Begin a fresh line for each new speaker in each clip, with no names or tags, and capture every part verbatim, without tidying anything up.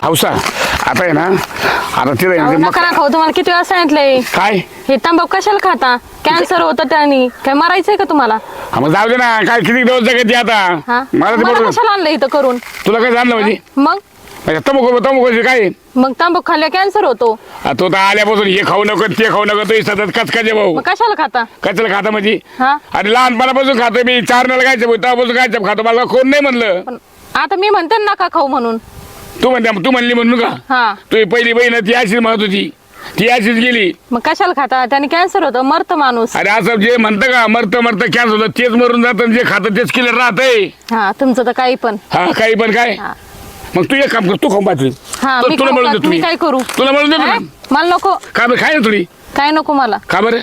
हौसा आता आहे ना आता तिला
अहो, नका ना खाऊ. तुम्हाला किती वेळा सांगितलंय
काय
हे तंबाखू कशाला खाता? कॅन्सर होतं त्यानी. काय मरायचंय का तुम्हाला?
हा, मग जाऊ दे ना काय किती दिवस जगत आता
हा
मला ते
मला
बरोबर
कशाला आणलं इथं करून?
तुला काय जाणलं म्हणजे
मग
तंबाखू तंबाखू काय
मग तंबाखू खाल्ल्या कॅन्सर होतो.
आ, तो तर आल्यापासून हे खाऊ नको ते खाऊ नको तो सतत कचकाचे भाऊ
मग कशाला खाता?
कचल खाता म्हणजे
हा
अरे लहानपणापासून खातो मी चार नाला गायचं तेव्हापासून गायचं खातो मला कोण नाही म्हणलं
पण आता मी म्हणते ना नका खाऊ म्हणून.
तू म्हणते तू म्हणली म्हणून का
हा
तू पहिली बहीण ती अशीच म्हणत होती ती अशीच गेली.
मग कशाला खाता? त्याने कॅन्सर होतं मरत माणूस.
अरे असं जे म्हणतं का मरत मरत कॅन्सर होतं तेच मरून जातं जे खातं तेच केलं राहतंय.
हा तुमचं तर काही पण.
हा काही पण काय
हा.
मग तू एक काम कर तू खाऊन पाहतो
हा मी
तुला
खाऊ
म्हणून
का?
देतो
मी
मी
काय करू?
तुला म्हणून देतो
हा?
ना
मला नको.
का बरं खाय ना थोडी
काय नको मला?
का बरं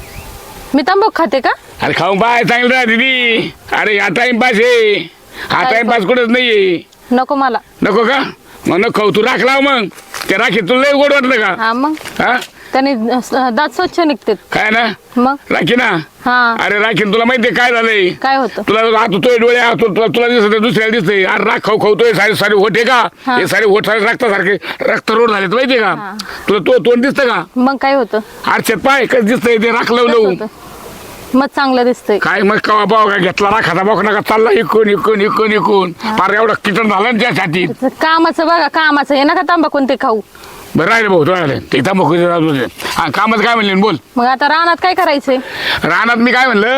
मी तंबाखू खाते का?
अरे खाऊन पाय चांगलं राह दीदी अरे हा टाइमपास आहे हा
काय
टाइमपास कुठंच नाहीये
नको मला.
नको का मग नको खाऊ तू राख लाव मग ते राखी तुला लय गोड वाटलं का
हा मग
हा
त्याने अं, दात स्वच्छ निघतात.
काय ना
मग
राखी ना
हा
अरे राखीन तुला माहितीये काय झालंय
काय होतं?
तुला आता तो डोळे आ, तु- तुला तुला दिसत दुसऱ्याला दिसतंय अरे राख खाऊ खाऊ तो सारे सारे होट आहे का
हा.
हे सारे होट सारे रक्तासारखे रक्त रोड झाले माहितीये का
हा.
तुला तो तोंड दिसतं का
मग काय होतं?
आरशात पाय कसं दिसतंय ते राख
कसं
लावलं
होतं? मग चांगलं दिसतंय.
काय मग कवा बाव का घेतला राखाचा बाक नका चालला इकून इकून इकून इकून फार एवढं किचन झालं ना त्या छातीत
कामाचं बघा कामाचं. हे नका तंबाखू ते खाऊ.
बरं राहिले भाऊ तो राहिले ते तंबाखू हा कामाचं काय म्हणले बोल
मग आता रानात काय करायचंय?
रानात मी काय म्हणलं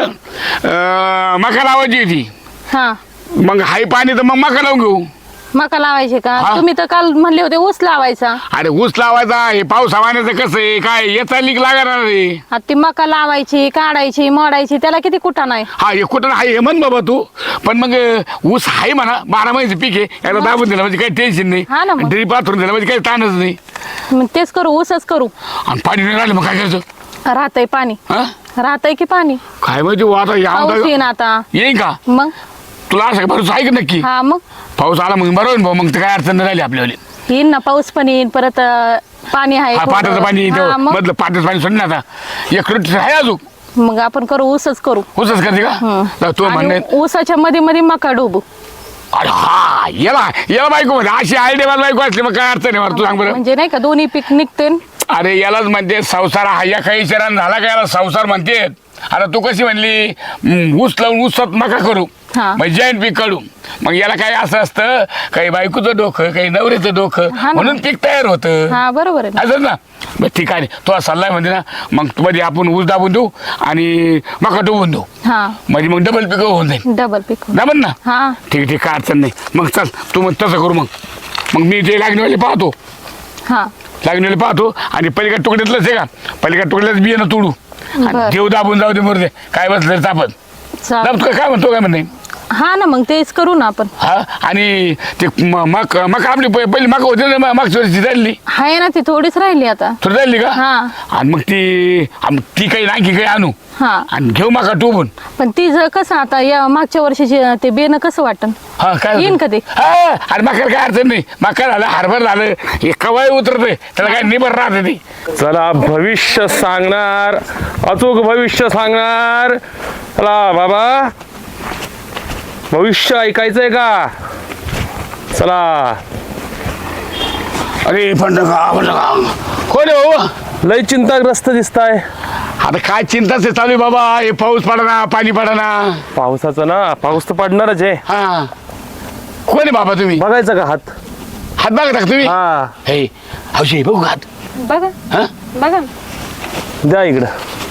अं, मका लावायची होती
हा
मग हाय पाणी तर मग मका लावून घेऊ
मका लावायचे का?
हा.
तुम्ही तर काल म्हणले होते ऊस लावायचा.
अरे ऊस लावायचा हे पाऊस हवाण्याचं कसं आहे काय याचा लीक लागणार रे
आता ती मका लावायची काढायची मोडायची त्याला किती कुठा नाही.
हा हे कुठं आहे हे म्हण बाबा तू पण मग ऊस आहे म्हणा बारा महिन्याचं पीक आहे याला दाबून दिलं म्हणजे काही टेन्शन नाही
हा ना मग.
ड्रीप पाथरून दिलं म्हणजे काही ताणच नाही
मग तेच करू ऊसच करू.
आणि पाणी नाही राहिलं मग काय करायचं
राहतय पाणी
हा
राहतय की पाणी
काय माहिती हो आता
पाऊस
या
येईन आता.
येईन का
मग
तुला असं भरोसा आहे का नक्की
हा मग
पाऊस आला मग बरोबर भाऊ मग तर काय अडचण नाही राहिली आपल्याला
येईन ना पाऊस पण येईन परत अं, पाणी आहे
हा
थोडं.
पाटाचं पाणी
हा,
इथं
मग
मधलं पाटाचं पाणी सोडलं आता एक रोटी आहे अजून
मग आपण करू ऊसच करू.
होतच करते का तर तो
आणि
म्हणणे
ऊसाच्या मध्ये मध्ये मका डोबू.
अरे हा याला याला बायको म्हणजे अशी आयडिया मला बायको असली मग काय अडचण आहे मला तू सांग बरं
म्हणजे नाही का दोन्ही पीक निघते.
अरे यालाच म्हणते संसार हा या काही विचारानं झाला का याला संसार म्हणते आता तू कशी म्हणली हम्म, ऊस लावून ऊसात नका करू
हा.
मग जैन पीक काढू मग याला काय असं असतं काही बायकोचं डोकं काही नवऱ्याचं डोकं
हा ना.
म्हणून पीक तयार होतं
हा बरोबर आहे ना.
असं ना मग ठीक आहे तो सल्ला म्हणते ना मग मध्ये आपण ऊस दाबून देऊ आणि मका डुबून देऊ
हा
म्हणजे मग डबल पीक होऊन जाईल
डबल पीक.
जमन ना
हा
ठीक ठीक काय अडचण नाही मग चल तू मग तसं करू मग मग मी ते लागणीवाले पाहतो
हा
लागणीवाले पाहतो आणि पलीकडे तुकड्यातलंच आहे का पलीकडे तुकड्यातच बियाणं तोडू आणि
बरं.
देव दाबून जाऊ दे मरते काय बसलं तापत
चालेल.
दाब काय म्हणतो काय म्हणणे
हा ना मग तेच करू ना आपण.
हा आणि ते म- मक मका आपली प- पहिली मका होती ना मागच्या वर्षी झाली
आहे ना ती थोडीच राहिली आता.
थोडी झाली का
हा
आणि मग ती आम- ती काही आणखी काही आणू
हा
आणि घेऊ मका टोबून
पण ती जर कसं आता या मागच्या वर्षीचे ते बेन कसं वाटन?
हा काय
येईन
होतं?
का ते?
हा अरे मका काय अडचण नाही मका झालं हरभर झालं हे कवाय उतरतंय त्याला काय निबर राहते ती
चला भविष्य सांगणार अचूक भविष्य सांगणार. चला बाबा भविष्य ऐकायचंय का? चला
अरे पण कोण आहे भाऊ
लय चिंताग्रस्त दिसताय.
आता काय चिंताच आहे चालू आहे बाबा हे पाऊस पडना पाणी पडना
पावसाचं ना पाऊस तर पडणारच आहे.
हा कोण आहे बाबा तुम्ही
बघायचं का हात?
हात बघा टाक तुम्ही
हा
हे हौशी बघू हात
बघा
हा
बघा
द्या इकडं.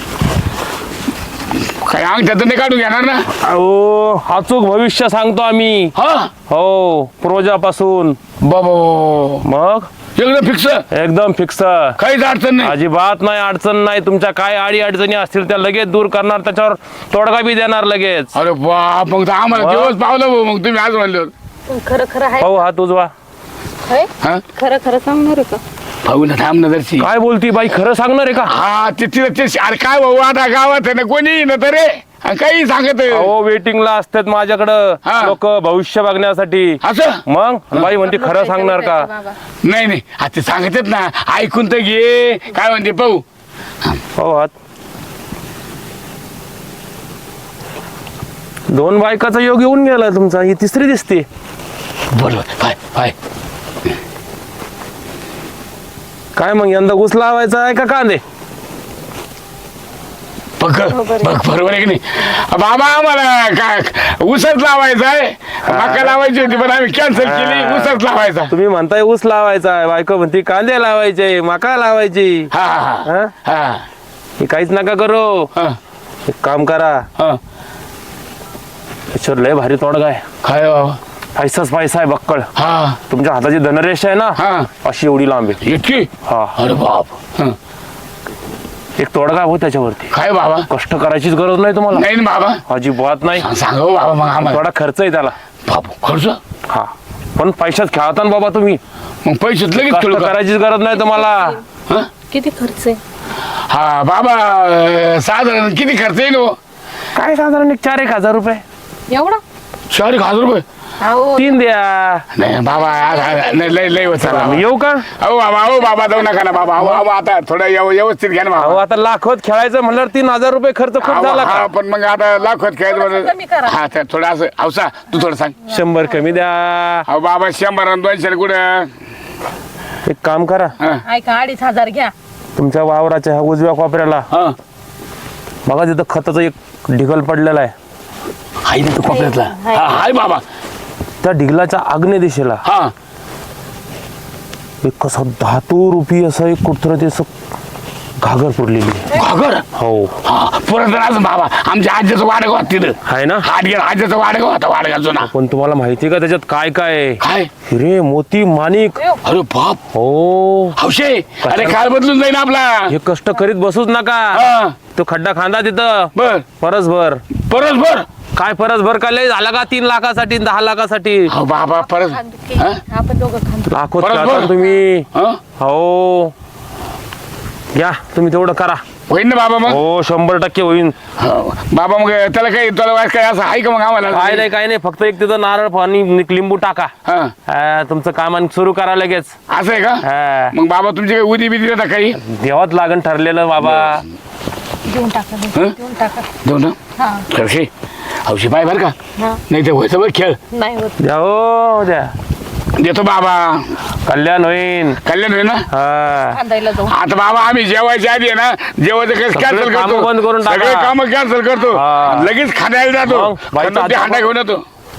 काय अंग त्याचं नाही काढून घेणार ना
अहो अचूक भविष्य सांगतो आम्ही.
हा
हो पूर्वजापासून.
बाबा
मग
एकदम फिक्स
एकदम फिक्स.
काहीच अडचण नाही
अजिबात नाही अडचण नाही. तुमच्या काय अडी अडचणी असतील त्या लगेच दूर करणार त्याच्यावर तोडगा बी देणार लगेच.
अरे बाप मग तर आम्हाला
वा.
दिवस पावलं भाऊ मग तुम्ही आज म्हणल्यावर
खरं खरं आहे.
पाहू हात उजवा.
होय?
हा
खरं खरं सांगणार आहे का?
भाऊ ना थांब ना जरशी
काय बोलती बाई खरं सांगणार आहे का?
हा ते तिला ते अरे काय भाऊ आता गावात आहे ना कोणी ना तर रे आणि काही सांगत आहे.
अहो वेटिंगला असतात माझ्याकडं
हा.
लोक भविष्य बघण्यासाठी.
असं
मग बाई म्हणते खरं सांगणार का?
बाबा.
नाही नाही आता ते सांगतात ना ऐकून तर घे काय म्हणते पाहू
हो हात. दोन बायकाचा योग येऊन गेला तुमचा. ही तिसरी दिसते.
बरोबर पाय पाय
काय मग यंदा ऊस लावायचा आहे का कांदे?
बघ बघ बरोबर आहे की नाही बाबा आम्हाला काय ऊसच लावायचा आहे मका लावायची होती पण आम्ही कॅन्सल केली ऊसच लावायचा.
तुम्ही म्हणताय ऊस लावायचा आहे, बायको म्हणते कांदे लावायचे, मका लावायची.
हा हा
हा?
हा
हे काहीच नका करू.
हा
एक काम करा,
हा
याच्यावर लय भारी तोडगा आहे.
काय बाबा
पैसाच पैसा आहे बक्कळ.
हा
तुमच्या हाताची धनरेष आहे ना
हा
अशी एवढी लांबी.
इतकी
हा
अरे बाप हं.
एक तोडगा हो त्याच्यावरती.
काय बाबा
कष्ट करायचीच गरज नाही तुम्हाला,
नाही ना बाबा
अजिबात नाही.
सांगा हो बाबा मग आम्हाला
थोडा खर्च आहे त्याला.
बाबू खर्च
हा पण पैशात खेळता ना बाबा तुम्ही.
मग पैसे लगेच
कष्ट
खेळू का?
करायचीच गरज नाही तुम्हाला.
हं?
किती खर्च आहे?
हा बाबा अं, साधारण किती खर्च येईल हो?
काय साधारण एक चार एक हजार रुपये.
एवढा?
चार एक हजार रुपये
अहो
तीन द्या.
नाही बाबा आ- आ- नाही, लय लय होत
चला, मी येऊ का?
अहो बाबा अहो बाबा जाऊ नका ना बाबा अहो अहो, आता थोडं व्यव- व्यवस्थित घ्या ना
अहो
बाबा
आता लाखोत खेळायचं म्हणल्यावर तीन हजार रुपये खर्च खूप
अहो,
झाला
हा
का?
पण मग आता लाखोत
थोडंसं कमी
खेळायचं
करा.
हा तर थोडं असं अवसा तू थोडं सांग
शंभर कमी द्या.
अहो बाबा शंभर आणि दोनशे कुठं
एक काम करा,
हं,
ऐका अडीच हजार घ्या.
तुमच्या वावराच्या ह्या उजव्या कोपऱ्याला
हं.
बघा तिथं खताचं एक ढिगल पडलेला आहे.
हाय ना तू कोपऱ्यातला
हाय.
हा हाय बाबा
त्या ढिगलाच्या आग्नेय दिशेला
हा
एक कसं धातू रुपी असं एक कुठं ते असं घागर पडलेली आहे.
घागर
हो
हा परत राहतो बाबा आमच्या आज्याचं वाडगाव होतं तिथं
आहे ना.
हात गेला आज्याचं वाडगाव होता वाडगाव जुना
पण तुम्हाला माहिती का त्याच्यात काय काय आहे?
काय
हिरे मोती माणिक.
अरे बाप
हो
हौशे अरे काळ बदलून जाईन आपला
हे कष्ट करीत बसूच नका.
हा
तो खड्डा खांदा तिथं
बर
परस भर.
परत बर
काय परस भर का लय झाला का तीन लाखासाठी दहा लाखासाठी?
हो बाबा परत हा?
आपण दोघं खांदो.
लाखोत
परस
खेळता
भर.
तुम्ही.
हा?
हो या तुम्ही तेवढं करा.
होईन ना बाबा मग
हो शंभर टक्के होईन.
हो. बाबा मग त्याला काही तुला वाट काय असं आहे का मग आम्हाला
काय नाही काय नाही फक्त एक तिथं नारळ पाणी नि- लिंबू टाका.
हा
हा, तुमचं काम आणि सुरू करा लगेच.
असं आहे का
हा,
मग बाबा तुमची काही उदी बिदी देता काही
देवात लागण ठरलेलं बाबा.
देऊन टाका
हं?
देऊन देऊन टाका.
देऊ ना
हा
हौशे हौशी बाय बर का
हा
नाही ते व्हायचं बरं खेळ
नाही होत.
द्या हो द्या.
देतो बाबा
कल्याण होईन.
कल्याण होईल ना
हा
खांदायला जाऊ.
आता बाबा आम्ही जेवायच्या आधी आहे ना जेवायचं कसं कॅन्सल
कामं
करतो
बंद करून टाका.
सगळे काम कॅन्सल करतो
हा.
लगेच खाण्याला जातो
मग बाईचा
खंडोबा
हात
हांडा घेऊन येतो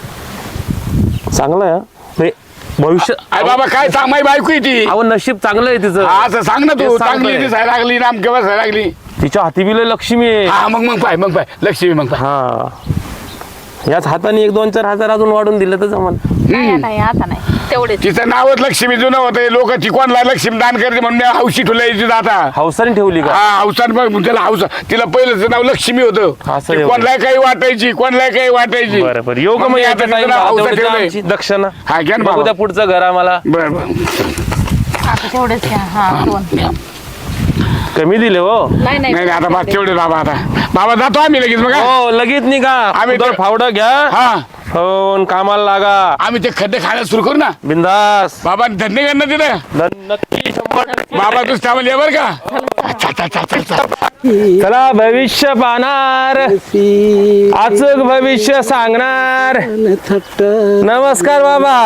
चांगलं आहे. हे भविष्य
अरे बाबा काय सांग माझी बायको आहे ती
अहो नशीब चांगलं आहे तिचं.
हा, असं सांग ना तू
तेच
चांगली
सांगतोय.
दिसायला लागली नाम केव्हा दिसायला लागली
तिच्या हाती बिल लक्ष्मी आहे.
हा मग मग पाय मग पाय लक्ष्मी मग पाय
हा याच हाताने एक दोन चार हजार अजून वाढून दिलं तर जमल.
नाही नाही आता नाही तेवढेच.
तिचं नावच लक्ष्मी जुनं होतं लोक ती कोणला लक्ष्मी दान करते म्हणून मी हौशी ठेवलं आता
हौसाने ठेवली का?
हा हौसान मग त्याला हौस तिला पहिलं नाव लक्ष्मी होतं
असं
ती
आहे.
कोणला काही वाटायची कोणला काही वाटायची
बरं बरं येऊ का
मग
मग
मी
याचं
आता
time
तिचं नाव
झालं,
हौसा
तेवढी
ठेवलंय.
आमची दक्षिणा.
हा घ्या ना
बघू
बाबा
द्या पुढचं घर आम्हाला.
बरं बरं
आता तेवढेच घ्या. हा दोन.
घ्या.
कमी दिले हो.
नाही
नाही नाही, आता
नाही
बा तेवढे बाबा आता बाबा जातो आम्ही लगेच बघा
हो लगेच निघा.
आम्ही
उदर
ते-
फावडं घ्या.
हा
फोन कामाला लागा.
आम्ही ते खड्डे खायला सुरू करू ना
बिंदास.
बाबा धन्य कर ना तिथं
न- नक्की शंभर टक्के.
बाबा तू थांबल ये बरं का अच्छा, अच्छा, अच्छा, अच्छा, अच्छा.
चला भविष्य पाहणार अचूक भविष्य सांगणार. नमस्कार बाबा.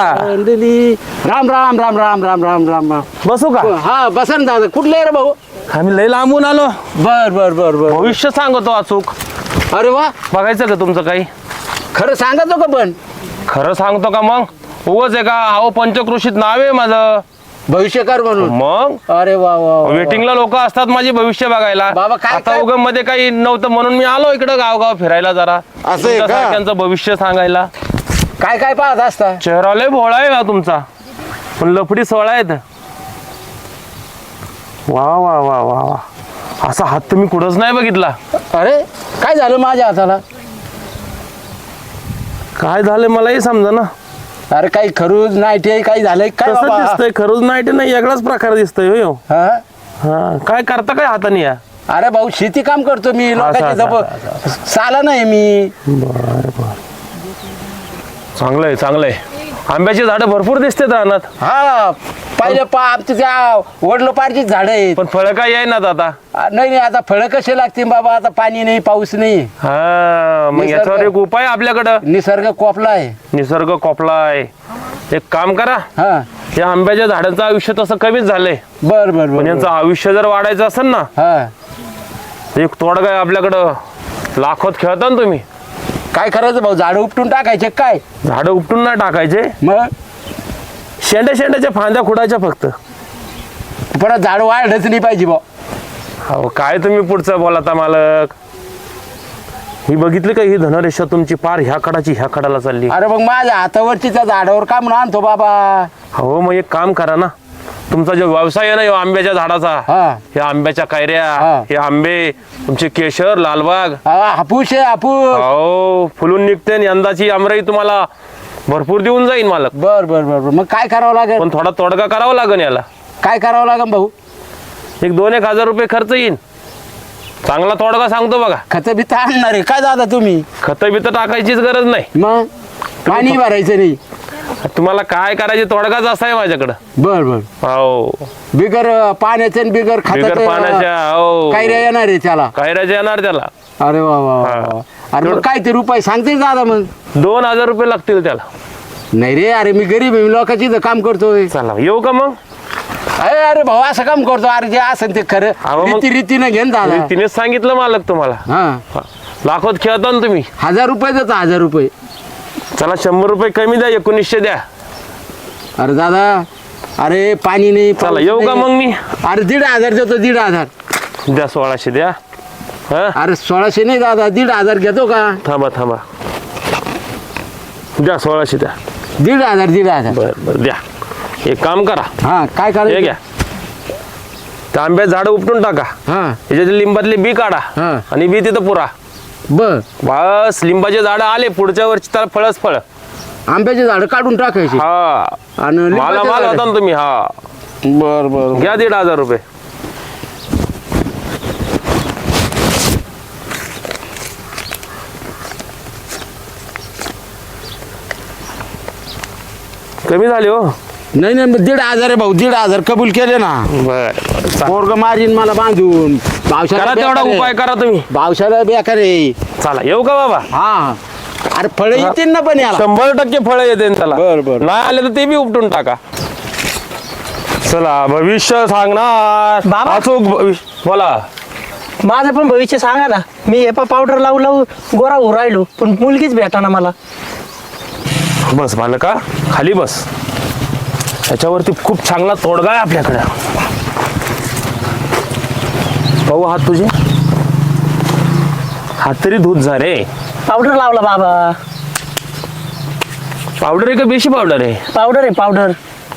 राम राम राम राम राम राम राम राम
बसू का?
हा बसा ना दादा कुठले रे भाऊ
आम्ही लय लांबून आलो.
बर बर बर बर
भविष्य सांगतो अचूक.
अरे वा
बघायचं का तुमचं काही?
खरं सांगतो का पण
खरं सांगतो का मग? उगाच आहे का? अहो पंचकृषीत नाव आहे माझं.
भविष्यकार म्हणून
मग
अरे वा वा वा.
वेटिंगला लोक असतात माझी भविष्य बघायला.
बाबा, काय-
आता
काय-
उगम मध्ये काही नव्हतं म्हणून मी आलो इकडं गावगाव फिरायला जरा.
आहे का?
तुमच्यासारख्यांचं भविष्य सांगायला.
काय काय पाहत असता
चेहरा लय भोळा आहे ना तुमचा पण लफडी सोळा आहेत. वा वा वा वा वा असा हात तुम्ही कुठंच नाही बघितला.
अरे काय झालं माझ्या हाताला
काय झालं मलाही समजा ना.
अरे काही खरूज नाही ते काही झालंय काय
कसं
बाबा
दिसतंय? खरंच नाही ते नाही वेगळाच प्रकार दिसतोय हो ह्यो.
हा?
हा काय करता काय हाताने या?
अरे भाऊ शेती काम करतो मी लोकांची
असं,
जप साला नाही मी
चांगलं आहे चांगलं आहे. आंब्याची झाडं भरपूर दिसतात रानात
हा पहिले पा आमच्या त्या वडलो पारची झाडं आहेत
पण फळं काय येईनात आता.
आ, नाही नाही आता फळं कसे लागतील बाबा आता पाणी नाही पाऊस नाही
हा मग
निसर्ग-
याच्यावर एक उपाय आपल्याकडं.
निसर्ग कोपला आहे
निसर्ग कोपला आहे. एक काम करा
हा
या आंब्याच्या झाडांचं आयुष्य तसं कमीच झालंय,
बर बर
पण
बर
यांचं आयुष्य जर वाढायचं असेल ना,
हा
एक तोडगा आहे आपल्याकडं, लाखोत खेळता ना तुम्ही.
काय करायचं भाऊ, झाड उपटून टाकायचे काय?
झाडं उपटून नाही टाकायचे,
मग
शेंड्या शेंड्याच्या फांद्या खुडायच्या फक्त.
परत झाड वाढच नाही पाहिजे भाऊ.
अहो काय तुम्ही पुढचं बोलाता मालक. ही बघितली का, ही धनरेषा तुमची पार ह्या कडाची ह्या कडाला चालली.
अरे मग माझ्या हातावरची त्या झाडावर का म्हणून आणतो बाबा?
हो मग एक काम करा ना, तुमचा जो व्यवसाय आहे ना ह्यो आंब्याच्या झाडाचा,
हा
हे आंब्याच्या कैऱ्या,
हा.
हे आंबे, तुमचे केशर, लालबाग,
हा, हापूस आहे हापूस.
हो फुलून निघते आणि यंदाची आमराई तुम्हाला भरपूर देऊन जाईन मालक.
बर बर बर बर. मग काय करावं लागेल?
पण थोडा तोडगा करावा लागेल याला.
काय करावं लागेल भाऊ?
एक दोन एक हजार रुपये खर्च येईन. चांगला तोडगा सांगतो बघा.
खत बी तर आणणार आहे काय दादा तुम्ही?
खत बित टाकायचीच गरज नाही.
मग पाणी भरायचं नाही.
तुम्हाला काय करायचे तोडगाच असा आहे माझ्याकडं.
बर बर.
हो
बिगर पाण्याचं आणि बिगर
बिगर पाण्याच्या,
खताचं
हो
काय रे येणार आहे त्याला?
कैऱ्याचे येणार त्याला.
अरे वा वा वा
हा.
वा. अरे मग काय ते रुपये सांगते दादा मग?
दोन हजार रुपये लागतील त्याला.
नाही रे, अरे मी गरीब आहे, मी लोकांची इथं काम करतोय.
चला येऊ का मग?
अरे अरे भाऊ असं काम करतो, अरे जे असं ते खरं
अहो, मग-
रीती रीतीनं घेन दादा.
तिनेच सांगितलं मालक तुम्हाला.
हा
लाखोत खेळता ना तुम्ही.
हजार रुपये देतो, हजार रुपये.
चला शंभर रुपये कमी द्या, एकोणीसशे द्या.
अरे दादा, अरे पाणी नाही
चला
पाऊस
येऊ का
नाही.
मग मी?
अरे दीड हजार देतो, दीड हजार.
द्या सोळाशे द्या. हा
अरे सोळाशे नाही दादा, दीड हजार घेतो का?
थांबा थांबा, द्या सोळाशे द्या.
दीड हजार दीड हजार.
बर बर द्या. एक काम करा,
हा काय
हे
करायचं?
घ्या, त्या आंब्यात झाडं उपटून टाका,
हा
त्याच्यात लिंबातले बी काढा
हा.
आणि बी तिथं पुरा.
बर.
बस लिंबाचे झाडं आले, पुढच्या वर्षी त्याला फळच फळ.
आंब्याचे झाड काढून टाकायचे
हा
आणि
मला
लिंबाचे
माल
झाडं.
होता ना तुम्ही. हा
बर बर.
घ्या दीड हजार रुपये. कमी झाले हो.
नाही नाही मग दीड हजार आहे भाऊ, दीड हजार कबूल केले ना.
बर
पोरग मारीन मला बांधून. पावसाला
करा तेवढा
बेकार आहे.
उपाय करा तुम्ही.
पावसाला बेकार आहे.
चला येऊ का बाबा?
हा अरे फळ येतील ना पण याला.
शंभर टक्के फळ येते त्याला.
बर, बर.
नाही आले तर ते बी उपटून टाका. चला भविष्य सांगणार
बाबा.
अचूक भविष्य बोला.
माझं पण भविष्य सांगा ना. मी हे पावडर लावू लावू गोरा होऊ राहिलो, पण मुलगीच भेटा ना मला.
बस बालका खाली बस. त्याच्यावरती खूप चांगला तोडगा आहे आपल्याकडे. पाहू हात तुझे, हात तरी धूत जा रे.
पावडर लावला बाबा.
पावडर आहे का बेशी पावडर आहे?
पावडर आहे पावडर.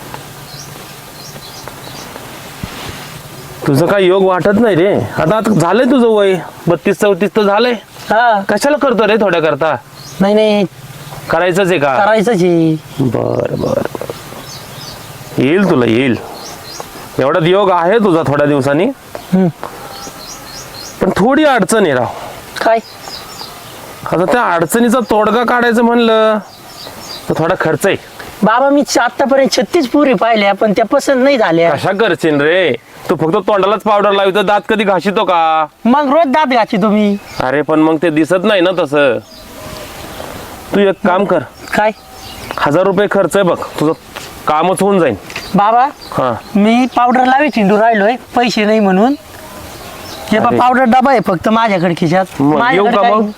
तुझं काय योग वाटत नाही रे. आता आता झालंय तुझं वय बत्तीस चौतीस तर झालंय.
हा
कशाला करतो रे थोड्या करता?
नाही नाही
करायचंच आहे का?
करायचंच आहे.
बर बर बर. येईल तुला येईल. एवढाच योग आहे तुझा थोड्या दिवसांनी.
हम्म.
पण थोडी अडचण आहे राव.
काय?
आता त्या अडचणीचा तोडगा काढायचं म्हणलं तर थोडा खर्च आहे.
बाबा मी आतापर्यंत छत्तीस पुरी पाहिल्या, पण त्या पसंत नाही झाल्या.
कशा करशील रे? तू फक्त तोंडालाच पावडर लावतो, दात कधी घासितो का?
मग रोज दात घाची तुम्ही.
अरे पण मग ते दिसत नाही ना तसं. तू एक काम कर,
काय?
हजार रुपये खर्च आहे बघ, तुझं कामच होऊन जाईल.
बाबा
हा
मी पावडर लावी चिंडू राहिलोय, पैसे नाही म्हणून. हे
अरे.
पावडर डबा आहे फक्त माझ्याकडे खिशात.
मग येऊ
माझ्याकडे
का
काही-
मग?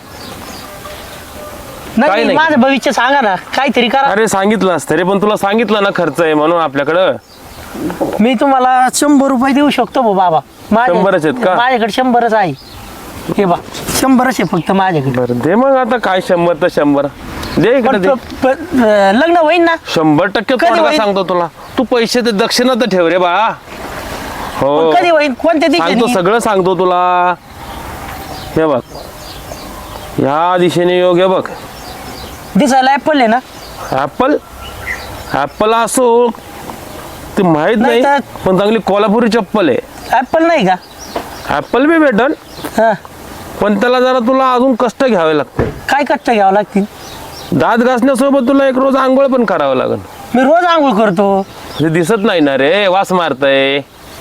नाही
काही
नाही,
नाही.
माझं भविष्य सांगा ना, काहीतरी करा.
अरे सांगितलं असतं रे, पण तुला सांगितलं ना खर्च आहे म्हणून आपल्याकडं.
मी तुम्हाला शंभर रुपये देऊ शकतो भाऊ बाबा. माझ्या-
शंभरच आहेत का?
माझ्याकडे शंभरच आहे. हे बा शंभरच आहे फक्त माझ्याकडे.
बरं दे मग आता काय शंभर तर शंभर दे इकडे
पण
दे.
प- प- लग्न होईन ना.
शंभर टक्के
कधी
तोडगा
होईल?
सांगतो तुला. तू पैसे ते दक्षिणा तर ठेव रे बा. हो
पण कधी होईन, कोणत्या
सांगतो,
दिवशी?
सगळं सांगतो तुला. हे बघ या दिशेने योग आहे बग.
दिसायला ऍपल आहे ना.
ऍपल ऍपल असो ते माहित
नाही
नाही,
तर-
पण चांगली कोल्हापुरी चप्पल आहे.
ऍपल नाही का?
ऍपल बी भेटल,
हा.
पण त्याला जरा तुला अजून कष्ट घ्यावे लागते.
काय कष्ट घ्यावं लागतील?
दात घासण्यासोबत तुला एक रोज आंघोळ पण करावं लागेल.
मी रोज आंघोळ करतो.
ते दिसत नाही ना रे, वास मारतय.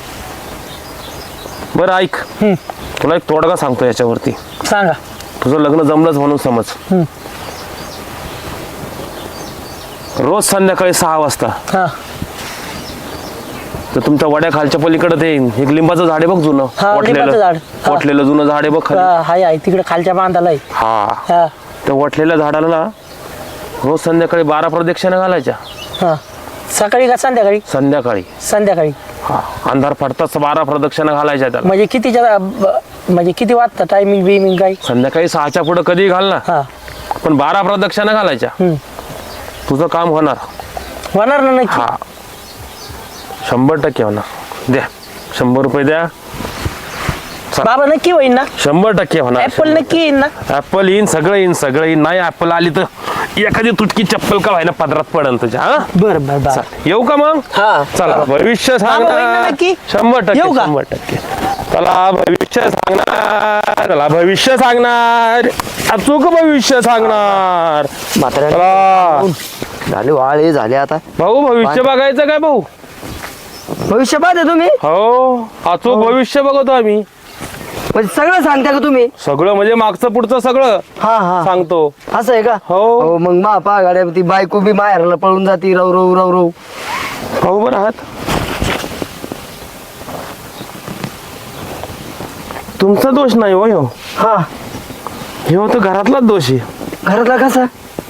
बरं ऐक,
हम्म.
तुला एक तोडगा सांगतो याच्यावरती.
सांगा.
तुझं लग्न जमलंच म्हणून समज.
हम्म.
रोज संध्याकाळी सहा वाजता
हा
तर तुमच्या वड्या खालच्या पलीकडे ते एक लिंबाचं झाड आहे बघ जुनं
हा, लिंबाचं झाड. हा.
वटलेलं जुनं झाड आहे बघ खाली.
हा, हाय आहे तिकडे खालच्या बांधाला आहे.
हा
हा
त्या वटलेल्या झाडाला ना रोज संध्याकाळी बारा प्रदक्षिणा घालायच्या.
हा सकाळी का संध्याकाळी?
संध्याकाळी
संध्याकाळी.
हा अंधार पडताच बारा प्रदक्षिणा घालायच्या त्याला.
म्हणजे कितीच्या ब- म्हणजे किती वाजता टायमिंग बिमिंग काही?
संध्याकाळी सहाच्या पुढे कधी घाल ना,
हा
पण बारा प्रदक्षिणा घालायच्या.
हम्म.
तुझं काम होणार.
होणार ना नक्की.
हा शंभर टक्के होणार. द्या शंभर रुपये द्या.
बाबा नक्की होईल ना?
शंभर टक्के होणार.
ऍपल नक्की येईल ना?
ऍपल येईन, सगळं येईन, सगळं येईन. नाही ऍपल आली तर एखादी तुटकी चप्पल का व्हायना पदरात पडन तुझ्या. हा
बरं बरं बरं.
चल, येऊ का मग?
हा
चला भविष्य
बाबा होईल ना
सांगणार.
नक्की?
शंभर टक्के
येऊ का?
शंभर टक्के. चला भविष्य सांगणार. चला भविष्य सांगणार. अचूक भविष्य सांगणार. चला
झाले वाळे झाले आता.
भाऊ भविष्य बघायचं काय भाऊ?
भविष्य पाहते तुम्ही
हो अचूक भविष्य बघतो आम्ही.
म्हणजे सगळं सांगता का तुम्ही?
सगळं म्हणजे मागचं पुढचं सगळं
हा हा
सांगतो.
असं आहे का?
हो.
मग मा पा गाड्या ती बायको बी माहेरला पळून जाती रव रव रव रव.
भाऊ बरं आहात? तुमचा दोष नाही हो ह्यो.
हा
ह्यो तर घरातलाच दोष आहे.
घरातला कसा?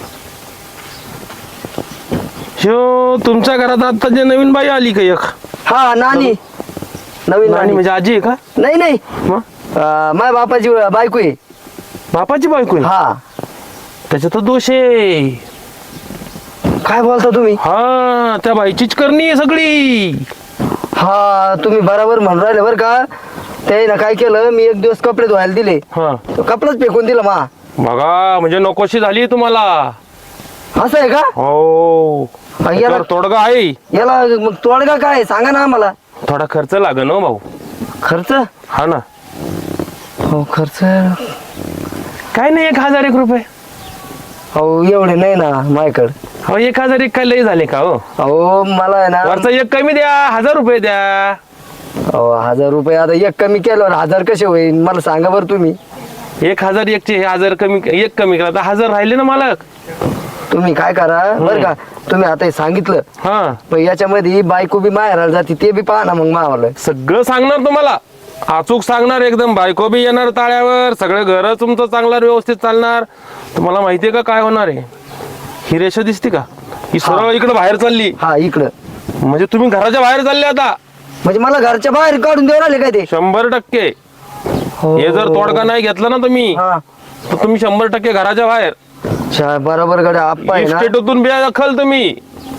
ह्यो तुमच्या घरात आता जे नवीन बाई आली का एक
हा नानी नवीन
नानी
नानी
म्हणजे आजी आहे का?
नाही नाही
मग
अं, माझ्या बापाची बायको आहे.
बापाची बायको आहे?
हा
त्याचा तर दोष आहे.
काय बोलता तुम्ही?
हा त्या बाईचीच करणी आहे सगळी.
हा तुम्ही बरोबर म्हणून राहिले बरं का. ते ना काय केलं, मी एक दिवस कपडे धुवायला दिले,
हा
तो कपडाच फेकून दिला मा.
बघा म्हणजे नकोशी झाली तुम्हाला.
असं आहे का?
हो
याला-
त्याच्यावर तोडगा आहे.
याला मग तोडगा काय आहे? सांगा ना आम्हाला.
थोडा खर्च लागेल हो भाऊ.
खर्च?
हा ना.
हो खर्च.
काय नाही एक हजार एक रुपये.
हो एवढे नाही ना माझ्याकडे.
हो एक हजार एक काय लय झाले का हो?
अहो मला आहे ना,
वरचा एक कमी द्या, हजार रुपये द्या.
अहो हजार रुपये आता एक कमी केल्यावर हजार कसे होईल मला सांगा बरं तुम्ही.
एक हजार एकचे हे हजार कमी एक कमी करा तर हजार राहिले ना मालक.
तुम्ही काय करा बरं का, तुम्ही आता हे सांगितलं
हा
पण याच्यामध्ये बायको बी माहेराला जाते ते बी पहा ना मग मावाला.
सगळं सांगणार तुम्हाला. अचूक सांगणार एकदम. बायको बी येणार ताळ्यावर. सगळं घर तुमचं चांगलं व्यवस्थित चालणार. तुम्हाला माहितीये का काय होणार आहे? ही रेषा दिसते का? ही सरळ इकडे बाहेर चालली.
हा इकडं.
म्हणजे तुम्ही घराच्या बाहेर चालले आता.
म्हणजे मला घरच्या बाहेर काढून देऊ राहिले काय ते?
शंभर टक्के. हे जर तोडगा नाही घेतला ना तुम्ही
हा
तर तुम्ही शंभर टक्के घराच्या बाहेर.
अच्छा, बरोबर गड्या आप्पा आहे ना.
इस्टेटून बिया दखल तुम्ही.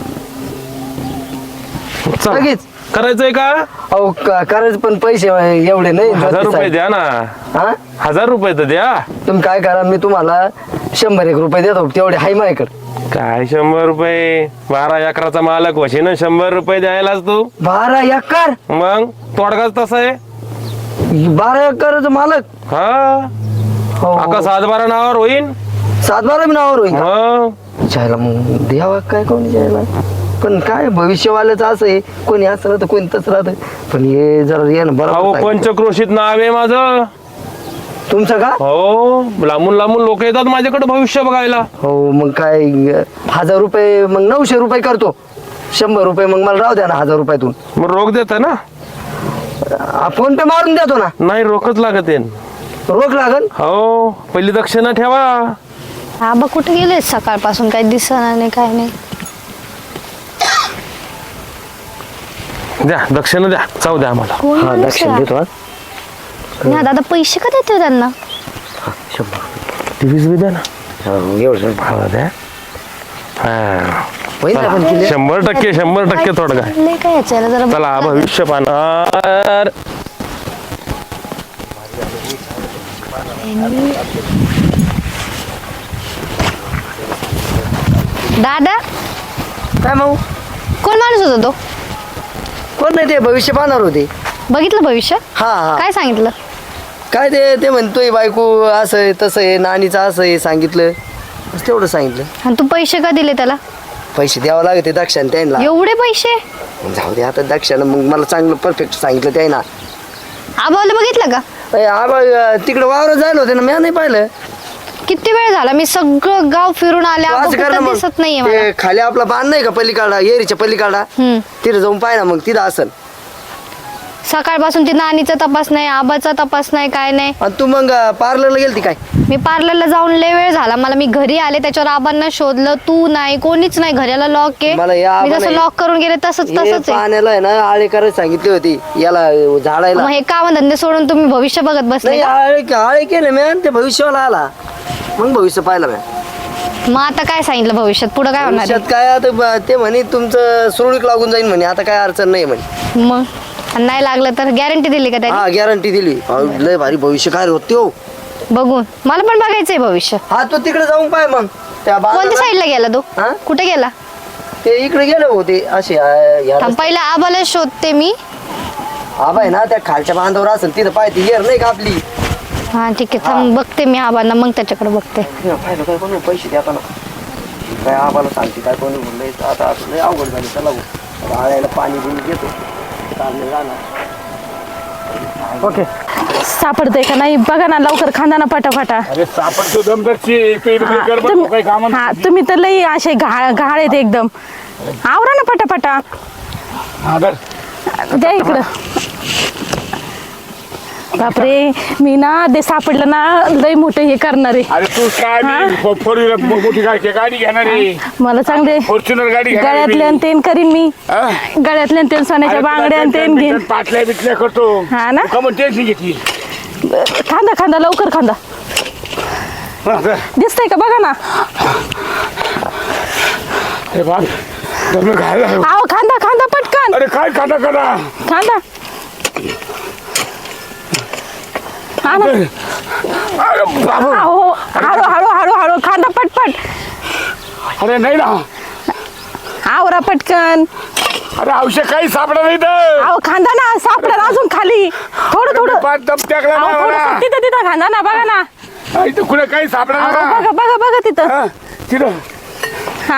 चला.
लगेच
करायचंय का?
अहो क- करायचं पण पैसे एवढे नाही.
हजार रुपये द्या ना.
हा
हजार रुपये तर द्या.
तुम्ही काय करा, मी तुम्हाला शंभर एक रुपये देतो तेवढे हाय माझ्याकडे.
काय शंभर रुपये? बारा अकराचा मालक वशी ना शंभर रुपये द्यायलाच तू.
बारा एकर?
मग तोडगाच तसा आहे.
बारा एकरच मालक?
हा
हो,
आका
हो.
सात बारा नावावर होईन.
सात बारा मी नावावर होईल का?
मग
जायला मग द्यावा काय कोणी जायला. पण काय भविष्यवाल्याचं असं आहे, कोणी असं राहतं कोणी तसं राहतं. पण हे जरा ये ना
अहो
बरोबर.
पंचक्रोशीत नाव आहे माझं.
तुमचं का?
हो लांबून लांबून लोक येतात माझ्याकडे भविष्य बघायला.
हो मग काय हजार रुपये मग नऊशे रुपये करतो. शंभर रुपये मग मला राहू द्या ना हजार रुपयातून.
मग रोख देता ना?
फोन पे मारून देतो ना.
नाही रोखच लागत आहे.
रोख लागल?
हो पहिली दक्षिणा ठेवा.
आबा कुठे गेले सकाळपासून? काही दिसणार नाही काय नाही.
द्या दक्षिणा द्या. जाऊ द्या आम्हाला.
कोण
हा
माणूस
दक्षिण
आहे?
देतो. हा.
नाही दादा पैसे का देतोय त्यांना?
शंभर
टीव्हीच बी द्या ना.
रुपये. एवढं
हा द्या. हा
होईल ना पण किती?
शंभर टक्के शंभर टक्के तोडगा आहे.
चाललंय काय याच्याला जरा
चला भविष्य पाहणार.
दादा
काय मग
कोण माणूस होता तो?
कोण नाही ते भविष्य पाहणार होते.
बघितलं भविष्य?
हा हा
काय सांगितलं?
काय ते ते म्हणतोय बायको असं आहे तसं आहे नानीचं असं आहे सांगितलं. बस तेवढं सांगितलं.
आणि तू पैसे का दिले त्याला?
पैसे द्यावं लागते दक्षाने त्यांना.
एवढे पैसे?
जाऊ दे आता दक्षानं मग मला चांगलं परफेक्ट सांगितलं त्याला.
आबाला बघितलं का?
अरे आबा तिकडे वावर जायला होते ना मी नाही पाहिलं.
किती वेळ झाला मी सगळं गाव फिरून आले.
तू
आबा
असं कर ना
कुठं
मग.
दिसत नाहीये मला.
ते खाली आपला बांध नाही का पलीकडा एरीच्या पलीकडा
हम्म.
तिथे जाऊन पाय ना मग तिथं असन.
सकाळपासून ती नानीचा तपास नाही, आबाचा तपास नाही, काय नाही.
आणि तू मग पार्लरला गेलती काय?
मी पार्लरला जाऊन लय वेळ झाला मला. मी घरी आले त्याच्यावर आबांना शोधलं, तू नाही, कोणीच नाही, घराला लॉक
मला
आहे.
या
मी जसं
आबाने-
लॉक करून गेले तसंच
हे
तसंच आहे.
पाण्याला आहे ना आळे करायला सांगितली होती याला झाडायला.
मग हे काम धंदे सोडून तुम्ही भविष्य बघत बसले
नाही
का?
आळे आळे केले मी आणि ते भविष्याला आला मग भविष्य पाहिलं मी.
मग आता काय सांगितलं भविष्यात, पुढे काय होणार
भविष्यात काय आता ब- ते म्हणे तुमचं सुरळीत लागून जाईल म्हणे, आता काय अडचण नाही म्हणे.
आहे? मग आणि नाही लागलं तर गॅरंटी दिली का त्याने?
हा गॅरंटी दिली. अहो, लय भारी भविष्य काय होते हो.
बघून मला पण बघायचंय भविष्य.
हा तू तिकडे जाऊन पाय मग त्या
कोणत्या
बांधाला-
साईडला गेला तू?
हा?
कुठे गेला?
ते इकडे गेले होते असे आ, या
थांब, पहिला आबाला शोधते मी.
आबा आहे ना त्या खालच्या बांधावर असेल तिथं पाय ती येर नाही का आपली.
हा ठीक आहे, थांब बघते मी आबांना, मग त्याच्याकडे बघते.
पाहिलं काय कोणी पैसे द्या ना काय आबाला सांगते काय कोणी म्हणलं आता असं लय अवघड झाली. चला भाऊ, आता आळ्याला पाणी बिणी घेतो चालले जाणार.
ओके सापडतंय का नाही बघा ना लवकर, खांदा ना पटापटा.
अरे सापडतो दमदरची पेट कर
तुम-
काही काम
हा तुम्ही तर लई असे घाळ घाळ आहेत एकदम. आवरा ना पटापटा, द्या इकडं. बापरे, मी ना ते सापडलं ना लई मोठं हे करणार आहे.
अरे तू काय
हा?
फोर व्हीलर मोठी गाडी गाडी घेणार आहे,
मला चांगले
फॉर्च्युनर गाडी घेणार आहे
गळ्यातले
मी.
तेन करीन मी,
हा?
गळ्यातले तेन सोन्याच्या
अरे तुला
बांगड्या
टेन्शन
तेन घेईन.
बिन्शन पाटल्या बिटल्या करतो.
हा ना?
का मग टेन्शन घेतली?
खांदा खांदा लवकर खांदा.
हा, चल.
दिसतंय का बघा ना.
अरे बाप दम घायला.
आव खांदा खांदा पटकन
अरे काय खाता करा.
खांदा. हा ना.
अरे बाबू,
अहो हळू हळू हळू हळू खांदा पटपट.
अरे नाही ना.
आवरा पटकन.
अरे औषध काही सापडा नाही तर.
अहो खांदा ना, सापडा अजून खाली थोडं थोडं.
पाच दम टाकला
अहो
ना
थोडं
मला.
तिथं तिथं खांदा ना, बघा ना.
हा, इथं कुठे काही सापडा
अहो,
ना.
बघा बघा बघा तिथं.
हा, तिथं
हा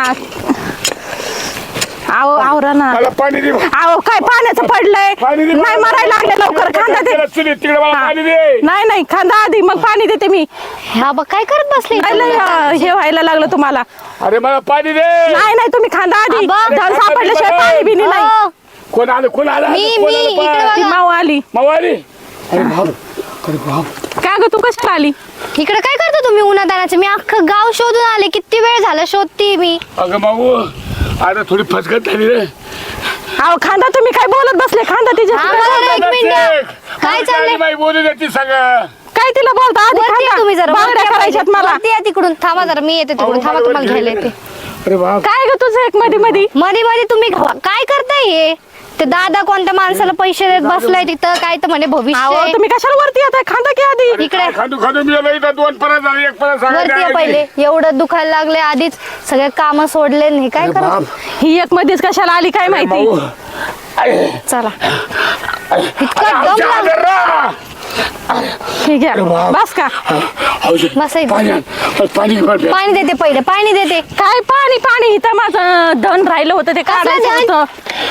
अहो आवरा ना.
मला पाणी दे.
अहो काय पाण्याचं पडलंय.
पाणी दे.
नाही मरायला लागले लवकर, खांदा दे.
चुलीत तिकडे मला
हा.
पाणी दे.
नाही नाही खांदा आधी, मग पाणी देते मी.
हा बघ काय करत बसले
नाही लय, अं, हे व्हायला लागलं तुम्हाला.
अरे मला पाणी दे.
नाही नाही तुम्ही खांदा आधी,
आबा.
धन सापडल्याशिवाय पाणी बिनी नाही.
हो,
कोण आलं कोण आलं
मी
कोण
मी
आलं
इकडे
पाय?
ती
बघा.
माऊ आली.
मावाली. अरे बाप अरे बाप.
काय ग तू कशाला आली?
इकडे काय करतो तुम्ही उन्हातानाचं? मी अख्खं गाव शोधून आले, किती वेळ झाला शोधते मी.
अगं माऊ आता थोडी फसगत झाली रे.
अहो खांदा, तुम्ही काय बोलत बसले? खांदा तिच्या.
हा, बरं, एक मिनिट. काय चाललंय?
बाई बोलू देते सगळं.
काय तिला बोलता आधी?
वरती या
खांदा.
तुम्ही जरा,
बांगड्या
वरती या
करायच्यात
पहिले.
मला.
वरती या तिकडून. थांबा जरा, मी येते तिकडून. थांबा, तुम्हाला घ्यायला येते.
अरे बाप.
काय ग तुझं एक मध्ये मध्ये?
मध्ये मध्ये तुम्ही काय करताय हे? ते दादा कोणत्या माणसाला पैसे देत बसलाय तिथं, काय तर म्हणे
अहो
भविष्य.
तुम्ही कशाला वरती येताय? खांदा की आधी.
इकडे
काय खादू खादू मी आलो इथं दोन परत झाले एक परत
वरती या पहिले. एवढं दुखायला लागले आधीच, सगळे काम सोडले नाही, काय करत.
ही एक मध्येच कशाला आली काय माहिती.
माऊ अरे
चला
अरे,
इतका
अरे,
दम
औषध
लाग-
आलं रा.
ठीक आहे
बाप.
बस का.
औषध
बसा इथं.
पाणी आण. पाणी घे बरं.
पाणी देते पहिले, पाणी देते.
काय पाणी पाणी, इथं माझं धन राहिलं होतं ते काढायचं
धन?
होतं.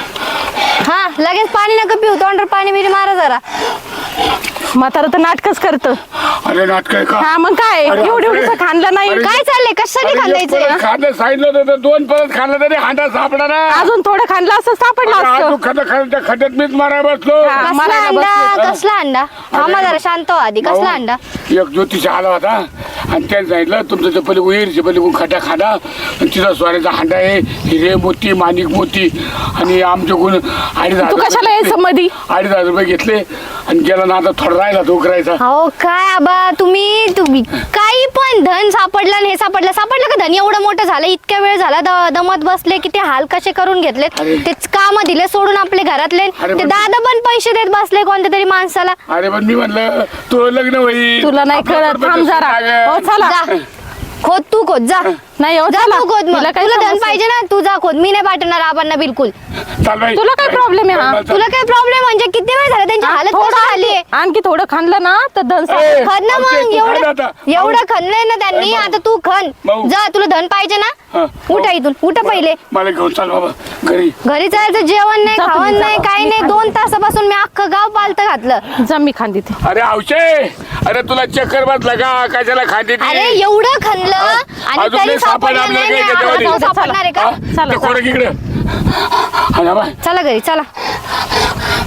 हा लगेच पाणी नका पिऊ, तोंडावर पाणी बिरी मारा जरा.
म्हातारं तर नाटकच करतं.
अरे नाटक आहे का?
हा मग काय,
अरे,
एवढं
अरे.
एवढं खाल्लं नाही.
अरे,
काय चाललंय, कशासाठी
अरे, एक
खांदायचं?
परत खाणं सांगितलं होतं तर दोन परत खाल्लं तरी हांडा सापडा ना.
अजून थोडं खाल्लं असं सापडलं
अरे,
असतं.
अजून खड्डा खाल्लं त्या खड्ड्यात मीच माराय बसलो.
हा.
कसला
मला नाही
अंडा,
बसलं.
कसला अंडा? थांबा जरा, शांत हो आधी. कसला अंडा?
एक ज्योतिष आला होता आणि त्याने सांगितलं तुमचं ते पहिले उईरचे पहिले खड्डा खाडा आणि तिथं सोन्याचा हांडा आहे, हिरे मोती माणिक मोती आणि आमच्याकडून अडीच हजार
तू कशाला
रुपये
यायचं मधी?
अडीच हजार रुपये घेतले आणि गेला ना आता थोडा राहिला तो करायचा.
हो काय आबा, तुम्ही तुम्ही काही पण धन सापडलं आणि हे सापडलं सापडलं का? धन एवढं मोठं झालं, इतक्या वेळ झाला द- दमत बसले, किती हाल कसे करून घेतलेत.
अरे.
तेच काम दिले सोडून आपले घरातले.
अरे
ते
पण-
दादा पण पैसे देत बसले कोणत्या तरी माणसाला.
अरे पण मी म्हणलं तो लग्न होईल
तुला नाही
आपलं
कळत,
पण
थांब
तसं
जरा.
लागेल.
हो चला.
जा खोद, तू खोद जा.
नाही हो
जा
चला.
तू खोद मग.
तिला काय
तुला धन
समस्या?
पाहिजे ना, तू जा खोद. मी नाही पाठवणार आबांना बिलकुल.
चाल बाई.
तुला काय problem आहे हा?
चल, चल.
तुला काय प्रॉब्लेम म्हणजे किती वेळ झाला त्यांची हालत
थोडं
कशी झाली आहे?
आणखी- आणखी थोडं खाल्लं ना तर धन
ए,
सापडेल.
खन ना
आमचे
मग,
तू
एवढं
खायला आता.
एवढं खणलंय ना त्यांनी,
ए, भाऊ.
आता तू खन.
भाऊ.
जा, तुला धन पाहिजे ना,
हा.
उठा इथून, उठा पहिले.
मला घेऊन चाल बाबा घरी.
घरी जायचं, जेवण नाही,
जा तुम्ही,
खावण
जा.
नाही, काही नाही. दोन तासापासून मी अख्खं गाव पालतं घातलं.
जा मी खांदी ते.
अरे आवशे, अरे तुला चक्कर बसला का कशाला खाते ती?
अरे एवढं खणलं आणि
अजून
तरी
नाही सापडलं
सापडलं
आपल्याला
नाही.
काही
नाही,
त्याच्यामध्ये.
आता सापडणार आहे का?
हा?
चला,
ते कोण इकडे? हा ना बाय.
चला घरी, चला.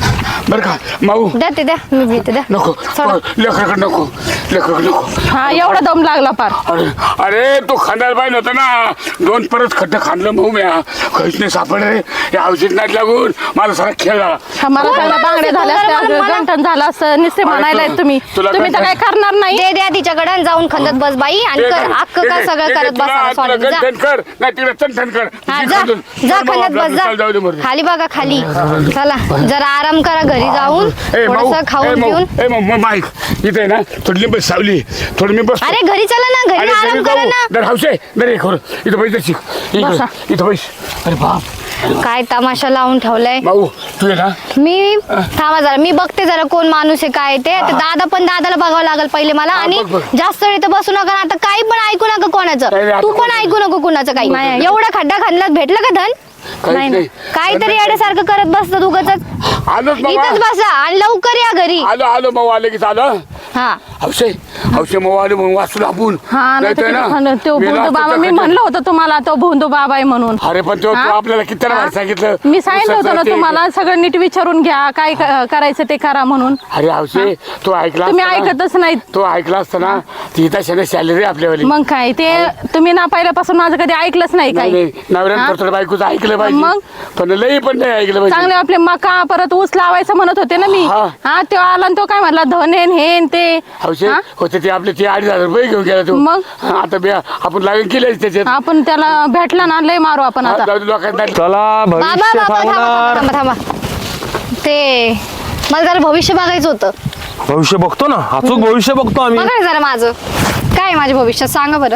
बरं का माऊ
द्या ते द्या मी घेते द्या
नको
सोडा.
लेकराकडे नको लेकराकडे नको
हा एवढा दम लागला पार.
अरे अरे तो खांदायला पाहिजे होता ना दोन परत खड्डे खांदलं भाऊ म्या काहीच नाही सापडले या औषध नाही लागून मला सारा खेळ झाला
हा, मला
कोण
सगळ्या
माणूस
बांगड्या
आहे?
झाल्या
कोण
असत्या,
बरं मला?
गंठण झालं असतं नुसते म्हणायला
तू-
तुम्ही
तुला
तुम्ही तर
गंठण-
काय करणार नाही.
दे द्या तिच्याकडे आणि जाऊन खंदत बस बाई आणि
ते
कर
कर,
अक्क
ते
काय
कर,
सगळं
ते कर,
करत
तुला-
बसा
तुला
सॉरी जा
गंठन कर नाही तिकडे चंठन कर
हा
तुझी
जा
खांदून.
जा
चल
खंदत
बाबा,
बस
चल जाऊ दे मरू दे.
जा खाली बघा खाली चला जरा आराम करा घरी जाऊन
ए, माऊ,
थोडस
ए,
खाऊन
माऊ,
पिऊन
ए, माऊ, माऊ, माईक इथे आहे ना थोडी लिंब सावली थोडी मी बस
अरे घरी चला ना घरी आराम करा ना
दर हौसे दर एक इथं पैसे शिक
बसा.
इकडे इथं पैसे अरे बाप
काय तमाशा लावून ठेवलाय
भाऊ तू ये ना
मी थांबा जरा मी बघते जरा कोण माणूस आहे काय ते ते दादा पण दादाला बघावं लागेल पहिले मला
हा,
आणि
बघ, बघ.
जास्त वेळ इथं बसू नका आता काही पण ऐकू नका
नाही, नाही,
कोणाचं
आता
तू पण
कोण-
ऐकू नको कुणाचं काही
नाही,
एवढा खड्डा खाल्लात भेटलं का धन
काहीच
नाही,
नाही
काहीतरी येण्यासारखं करत बसतं उगाच
आलोच
इथंच
बाबा
बसा आणि लवकर या घरी
आलो आलो मग आले की चालं
हा
हौसे हौसे मग आलो मग वाचलो आपण
हा नाही
नाहीतर
तर
ना,
किती- तो
मेला
भोंदू
असता
बाबा
त्या
मी
खड्ड्यात.
म्हणलं होतं तुम्हाला तो भोंदू बाबा आहे म्हणून.
अरे पण तो
हा?
तो आपल्याला किती
हा?
वेळा सांगितलं
मी सांगितलं होतं ना
ते-
तुम्हाला सगळं नीट विचारून घ्या काय क- करायचं ते करा म्हणून.
अरे हौसे तो ऐकला
तुम्ही
असता ना,
ऐकतच नाहीत.
तो ऐकला असता ना ती तशाने सॅलरी आपल्यावाली
मग काय ते तुम्ही ना पहिल्यापासून माझं कधी ऐकलंच नाही
नाही
काही.
नाही नवऱ्यानं
हा?
परत बायकोचं ऐकलं
मग?
पाहिजे पण लई पण नाही ऐकलं
चांगले
पाहिजे
आपले मका परत ऊस लावायचं म्हणत होते ना मी.
हा.
हा तो आला आणि तो काय म्हणला धनेन हेन ते.
हौसे
हा?
होते ते आपले ते अडीच हजार रुपये घेऊन गेला तो
मग?
हा, आता बे- आपण लागून केले त्याच्यात
आपण त्याला भेटला ना लय मारू आपण
हा,
आता.
जाऊ दे लोकांना
चला
बाबा
भविष्य
बाबा थांबा
सांगणार
थांबा थांबा थांबा ते मला जरा भविष्य बघायचं होतं
भविष्य बघतो ना अचूक भविष्य बघतो आम्ही
बघा ना जरा माझं काय आहे माझ्या भविष्यात सांगा बरं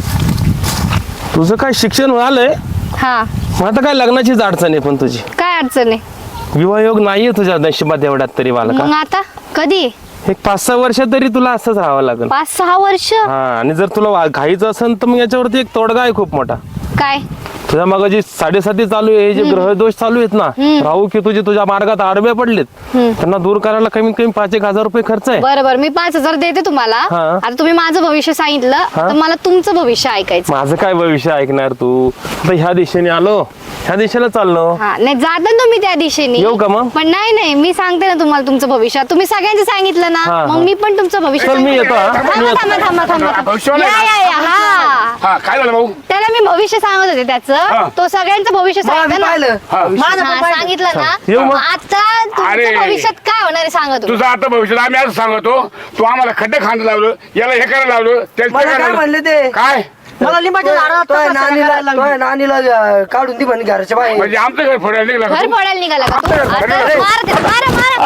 तुझं काय शिक्षण झालंय
हा
मग आता काय लग्नाचीच अडचण आहे पण तुझी
काय अडचण आहे
विवाहयोग नाहीये तुझ्या नशिबात एवढ्यात तरी मला
मग
का
आता कधी
एक पाच सहा वर्ष तरी तुला असंच राहावं लागेल
पाच सहा वर्ष
हा आणि जर तुला वा- घाईचं असेल तर मग याच्यावरती एक तोडगा आहे खूप मोठा
काय
तुझ्या मग जी साडेसाती चालू आहे हे जे ग्रहदोष चालू आहेत ना राहू की तुझे तुझ्या मार्गात आडवे पडलेत त्यांना दूर करायला कमीत कमी पाच एक हजार रुपये खर्च आहे
बरं बरं मी पाच हजार देते तुम्हाला
हा.
आता तुम्ही माझं भविष्य सांगितलं आता मला तुमचं भविष्य ऐकायचं
माझं काय भविष्य ऐकणार तू आता ह्या दिशेने आलो ह्या दिशेला चाललो
हा नाही जाता ना तुम्ही त्या दिशेने
येऊ का मग?
पण नाही नाही मी सांगते ना तुम्हाला तुमचं भविष्य तुम्ही सगळ्यांचं सांगितलं ना
हा,
मग
हा.
मी पण तुमचं भविष्य
चल, मी
सांगते.
येतो, हा.
थांबा,
मी येतो.
थांबा थांबा थांबा
भविष्यवाणी
या
आहे
या या हा
हा काय झालं भाऊ
त्याला मी भविष्य सांगत होते
हा.
त्याचं तो सगळ्यांचं भविष्य सांगितलं ना
पाहिलं
हा.
माझं
हा,
पण पाहिलं.
सांगितलं ना
येऊ मग?
मग आता
अरे.
तुमच्या भविष्यात काय होणार आहे सांगा तुम्ही
तुझं आता भविष्यात आम्ही असं सांगतो तू आम्हाला खड्डे खांदा लावलं याला हे करायला लावलं त्याला ते
मला काय
करायला
म्हणले ते
काय
मला लिंबाच्या झाडावर
तो आहे
तपास
नानीला
करायला
तो
लागली.
आहे नानीला अं, काढून दी म्हणे घरच्या बाहेर
म्हणजे आमचं घर फोडायला निघला का
घर
तू?
फोडायला निघाला का तू?
घर
आता
फोडायला-
मारा त्याला, मारा मारा